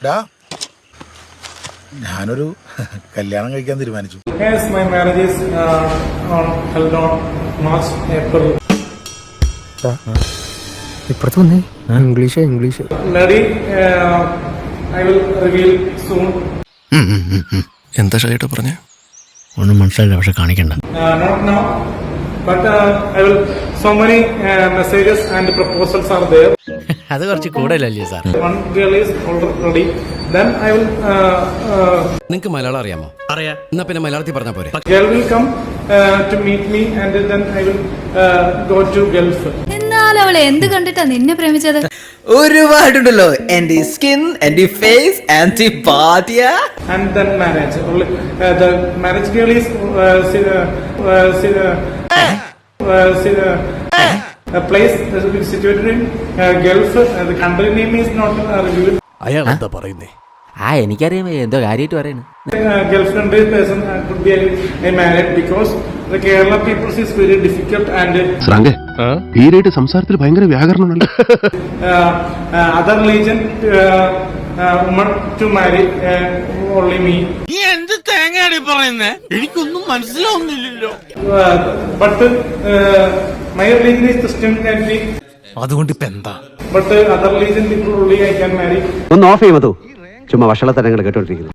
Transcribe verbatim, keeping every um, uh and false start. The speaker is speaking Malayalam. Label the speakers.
Speaker 1: ഞാനൊരു കല്യാണം കഴിക്കാൻ തീരുമാനിച്ചു.
Speaker 2: Yes, my marriage is uh, on held on March, April.
Speaker 3: ഇപ്പുറത്ത് വന്നേ English English
Speaker 2: Lady, uh, I will reveal soon.
Speaker 4: എന്താ ഷൈട്ട് പറഞ്ഞേ?
Speaker 3: ഒന്നും മനസ്സിലായില്ല, പക്ഷെ കാണിക്കണ്ട.
Speaker 2: Uh, not now, but uh, I will. So many uh, messages and proposals are there.
Speaker 3: അത് കുറച്ച് കൂടുതലല്ലേ sir?
Speaker 2: One girl is already. Then I will. Uh, uh,
Speaker 4: നിങ്ങക്ക് മലയാളം അറിയാമോ? അറിയാം. എന്നാ പിന്നെ മലയാളത്തിൽ പറഞ്ഞാ പോരെ.
Speaker 2: Girl will come uh, to meet me, and then I will uh, go to Gulf.
Speaker 5: എന്നാൽ അവളെ എന്ത് കണ്ടിട്ടാ നിന്നെ പ്രേമിച്ചത്?
Speaker 6: ഒരുപാടുണ്ടല്ലോ. എന്റെ സ്കിൻ, എന്റെ ഫേസ്, എന്റെ ബാധ്യ.
Speaker 2: And then marriage. Only uh, the marriage girl is uh, see, uh, uh, see, uh, uh, see, uh, a place that is situated in uh, Gulf. Uh, the country name is not uh, revealed.
Speaker 4: അയാൾ എന്താ പറയുന്നേ?
Speaker 3: ആ എനിക്കറിയാം എന്തോ കാര്യമായിട്ട് പറയുന്നു.
Speaker 2: Uh, Gulf country person uh, could be a, a married because the Kerala people is very difficult and
Speaker 7: ശ്രാങ്കേ തീരായിട്ട് സംസാരത്തിൽ ഭയങ്കര വ്യാകരണമുണ്ടല്ലോ.
Speaker 2: uh, uh, other religion uh, uh, woman to marry uh, only me.
Speaker 8: നീ എന്ത് തേങ്ങയാണ് പറയുന്നേ? എനിക്കൊന്നും മനസ്സിലാവുന്നില്ലല്ലോ.
Speaker 2: Uh, but uh, my religion is Christianity.
Speaker 4: അതുകൊണ്ട് ഇപ്പൊ എന്താ?
Speaker 2: But uh, other religion people only I can marry.
Speaker 9: ഒന്ന് ഓഫ് ചെയ്യുമോ? ചുമ്മാ വഷളത്തരങ്ങൾ കേട്ടോണ്ടിരിക്കുന്നു.